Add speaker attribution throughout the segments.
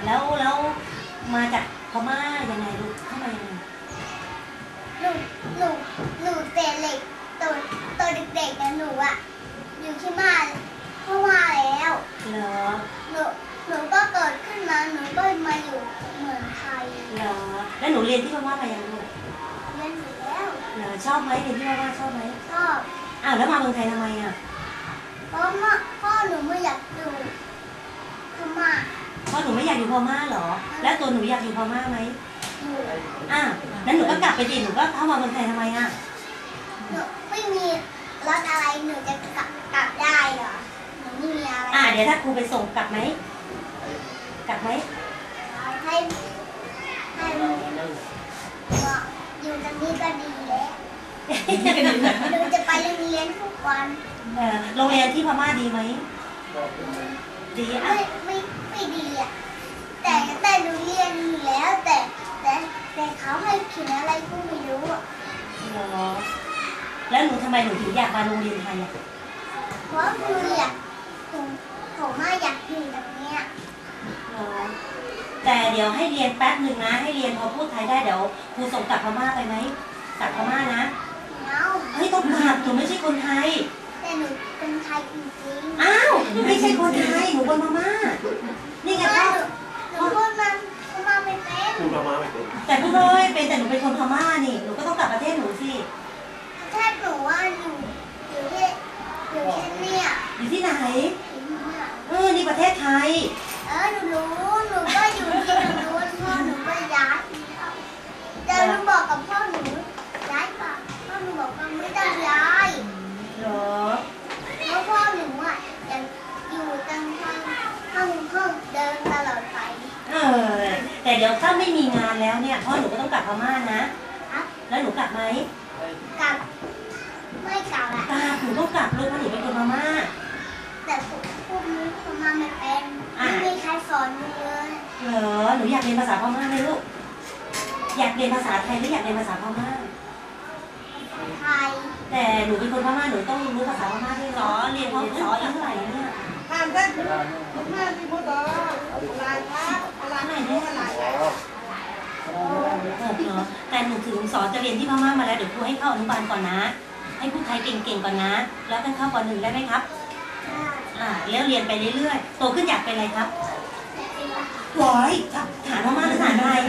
Speaker 1: แล้วมาจากพม่ายังไงลูกเข้ามายังไง
Speaker 2: หนูเตะเหล็กตัวเด็กๆนะหนูอะอยู่ที่บ้านเพราะว่าแล้ว
Speaker 1: เหรอ
Speaker 2: หนูก็เกิดขึ้นมาหนูก็มาอยู่เมืองไทย
Speaker 1: เหรอแล้วหนูเรียนที่พม่ามายังลูก
Speaker 2: เรียนอยู่แล้ว
Speaker 1: เหรอชอบไหมเรียนที่พม่าชอบไหม
Speaker 2: ชอบ
Speaker 1: แล้วมาเมืองไทยทำไมอ่ะ
Speaker 2: เพราะพ่อหนูไม่อยากอยู่พม่า
Speaker 1: พ่อหนูไม่อยากอยู่พม่าเหรอแล้วตัวหนูอยากอยู่พม่าไหมนั้นหนูก็กลับไปดิหนูก็เข้ามาเมืองไทยทำไมอ่ะ
Speaker 2: หนูไม่มีรถอะไรหนูจะกลับได้เหรอหนูไม่มีอะไร
Speaker 1: เดี๋ยวถ้าครูไปส่งกลับไหม
Speaker 2: ให้อยู่ตรงนี้ก็ดีแล้วหนูจะไปโรงเรียนทุกวัน
Speaker 1: โรงเรียนที่พม่าดีไหมดี
Speaker 2: ไม่ดีอ่ะแต่หนูเรียนอยู่แล้วแต่เขาให้เขียนอะไรก็ไม่รู้อ่ะ
Speaker 1: แล้วหนูทำไมหนูถึงอยากมาโรงเรียนไทยอ่ะ
Speaker 2: เพราะหนูอยากผมอยากอยู่แบบเนี้ย
Speaker 1: แต่เดี๋ยวให้เรียนแป๊บหนึ่งนะให้เรียนพอพูดไทยได้เดี๋ยวครูส่งกลับพม่าไปไหมกลับพม่านะเฮ้ยต้องกลับหนูไม่ใช่คนไทย
Speaker 2: แต่หนูเป็นไทยจริง
Speaker 1: ๆไม่ใช่คนไทยหนูคนพม่านี่ไง
Speaker 2: หนูพูดพม่าไม่เป็น
Speaker 3: พูดพม่าไม่เป็น
Speaker 1: แต่พูดเลยเป็นแต่หนูเป็นคนพม่านี่หนูก็ต้องกลับประเทศหนูสิ
Speaker 2: ประเทศหนูว่าอยู่ที่เนี่ย
Speaker 1: อยู่ที่ไหนนี่ประเทศไทย
Speaker 2: หนูรู้หนูก็อยู่ที่หนูรู้พ่อหนูก็ย้ายแต่หนูบอกกับพ่อหนูย้ายป่ะพ่อหนูบอกว่าไม่ต้องย้าย
Speaker 1: เหรอ
Speaker 2: เพราะพ่อหนูยังอยู่ตั้งห้องเดินตลอดไป
Speaker 1: แต่เดี๋ยวถ้าไม่มีงานแล้วเนี่ยพ่อหนูก็ต้องกลับพม่านะแล้วหนูกลับไหม
Speaker 2: กลับไม่กลับ
Speaker 1: หนูต้องกลับลูกเพราะหนูเป็นคนพม่า
Speaker 2: แต่พวกนี้พม่าไม่เป็นไม่มีใครสอนหนูเลย
Speaker 1: เหรอหนูอยากเรียนภาษาพม่าไหมลูกอยากเรียนภาษาไทยหรืออยากเรียนภาษาพม่า
Speaker 2: ไทย
Speaker 1: แต่หนูเป็นคนพม่าหนูต้องรู้ภาษาพม่าด้วยเหรอเรียนพอสอนเท่าไหร่เนี่ย
Speaker 4: ท่านมาที่พุทธอะไรครับอะไรไหนเนี่ยอะไร
Speaker 1: แต่หนูถึงสอนจะเรียนที่พม่ามาแล้วเดี๋ยวครูให้เข้าอนุบาลก่อนนะให้พูดไทยเก่งๆก่อนนะแล้วกันเข้าป.1ได้ไหมครับแล้วเรียนไปเรื่อยๆโตขึ้นอยากเป็นอะไรครับทหารพม่าหรือทหารไทย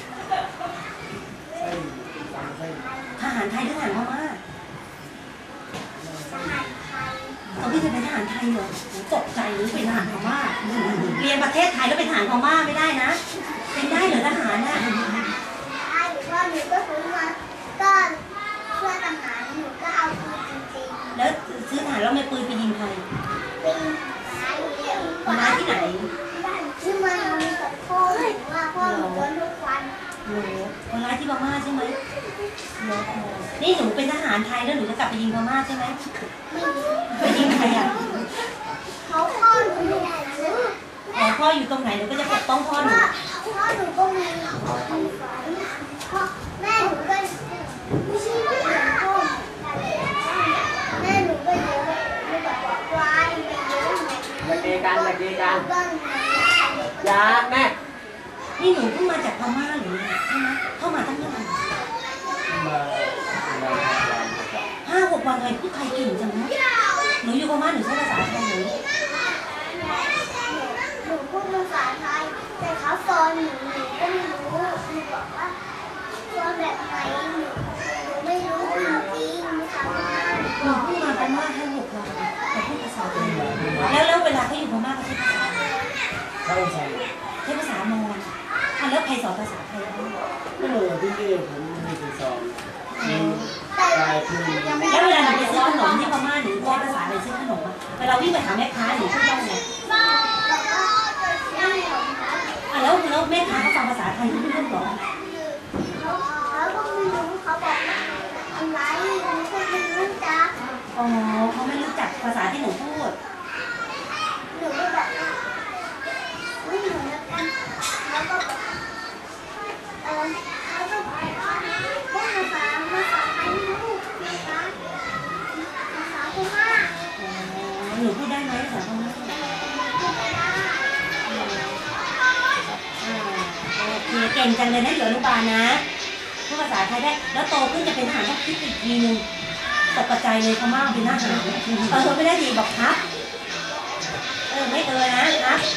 Speaker 1: ทหารไทยหรือทหารพม่าพี่จะเป็นทหารไทยเหรอตกใจหรือเป็นทหารพม่าเรียนประเทศไทยแล้วเป็นทหารพม่าไม่ได้นะเป็นได้เหรอทหารน่ะ
Speaker 2: ได้ว่าหนูก็ซื้อมาก็เพื่อทหารหนูก็เอาปืนจริง
Speaker 1: ๆแล้วซื้อทหารแล้วไม่ปืนไปยิงใคร
Speaker 2: ปืน
Speaker 1: มาที่ไหน
Speaker 2: ซื้อมาจากพ่อหนูว่าพ่อหนูโดนทุกวัน
Speaker 1: คนร้ายที่พม่าใช่ไหมนี่หนูเป็นทหารไทยแล้วหนูจะกลับไปยิงพม่าใช่ไหมไปยิงใครอ่ะ
Speaker 2: เขาพ่อหนูอยู่ไหน
Speaker 1: พ่ออยู่ตรงไหนหนูก็จะปกป้องพ่อหนู
Speaker 2: พ่อหนูก็มีพ่อแม่หนูก็ไม่ใช่พ่อแม่หนูก็เยอะหนูแบบวายไปเยอะ
Speaker 4: อย่าเกกันอย่าแม่
Speaker 1: นี่หนูเพิ่งมาจากพม่าหรือใช่ไหมเข้ามาตั้งนาน5-6 วันเลยพูดไทยเก่งจังนะหนูอยู่พม่าหนูใช้ภาษาไทยห
Speaker 2: นูพูดภาษาไทยแต่เขาสอนหนูก็ไม่รู้หนูบอกว่าสอนแบบไหนหนูไม่รู้จริงๆไม่ทำงาน
Speaker 1: หนูเพิ่งมาพม่า5-6 วันแต่พูดภาษาไทยแล้วเวลาเขาอยู่พม่าเขาใช้ภาษาใช้ภาษามอญแล้วใครสอนภาษาไทย
Speaker 3: ที่นี่ผมไม่ได้สอน
Speaker 1: แล้วเวลาหนูไปซื้อขนมที่พม่าหนูใช้ภาษาอะไรซื้อขนมเวลาวิ่งไปหาแม่ค้าหนูพูดได้ไงแล้วแม่ค้าเขาฟังภาษาไทยรู้เรื่องหรอ
Speaker 2: เขาก็ไม่รู้เขาบอกอะไรหนูก็ไม่รู้จัก
Speaker 1: เขาไม่รู้จักภาษาที่หนูพูด
Speaker 2: หนูก็แบบไม่เหมือนกันแล้วก็แบบเขาก็พูดภาษาไทยไม่รู้ภาษาพม่า
Speaker 1: หนูพูดได้ไหมภาษาพม่าก่งจังเลยนะอยู่อนุบาลนะพูดภาษาไทยได้แล้วโตขึ้นจะเป็นทหารต้องคิดอีกทีนึงตกกระจายเลยพม่าเป็นทหารไม่ได้ดีบอกครับไม่นะครับ